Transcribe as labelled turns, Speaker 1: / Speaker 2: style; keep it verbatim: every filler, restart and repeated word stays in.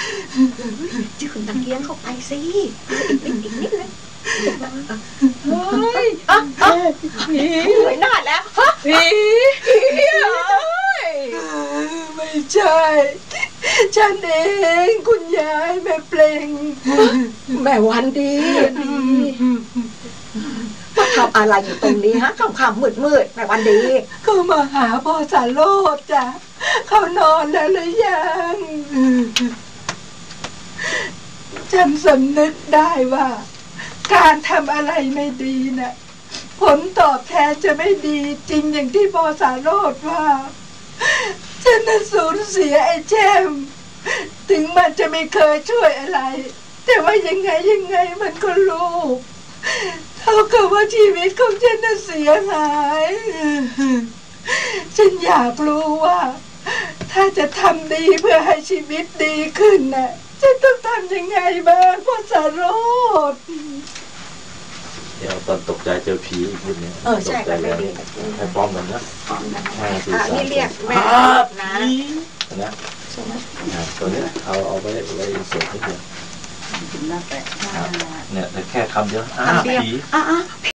Speaker 1: จืนตะเกียงเข้าไปสิอีกนิดอีกนิดเลย
Speaker 2: เฮ้ยอ่ะอ่ะผี
Speaker 1: หวยหน้าแล้วฮะ
Speaker 2: ผีไม่ใช่ฉันเองคุณยายแม่เปล่ง
Speaker 1: แม่วันดีดีมาทำอะไรอยู่ตรงนี้ฮะค่ำๆมืดๆแม่วันดี
Speaker 2: เขามาหาพ่อสารโลดจ้ะเขานอนแล้วหรือยังฉันสำนึกได้ว่าการทำอะไรไม่ดีน่ะผลตอบแทนจะไม่ดีจริงอย่างที่พ่อสารโลดว่าฉันน่ะสูญเสียไอ้แช่มถึงมันจะไม่เคยช่วยอะไรแต่ว่ายังไงยังไงมันก็ลูกเท่ากับว่าชีวิตของฉันน่ะเสียหายฉันอยากรู้ว่าถ้าจะทำดีเพื่อให้ชีวิตดีขึ้นน่ะฉันต้องทำยังไงบ้างพ่อสารโรด
Speaker 3: เดี๋ยวตอนตกใจเจอผีอีกนิดนึง
Speaker 1: เออใช่ก็ไม่ดี
Speaker 3: ให้พร้อมกันนะห้าสี่สาม
Speaker 1: นี่เรียกแม่นะ
Speaker 3: นะตัวนี้เอาเอาไว้ไว้เสร็จนิดเดียวเนี่ยแต่แค่คำเดียวอ้าผี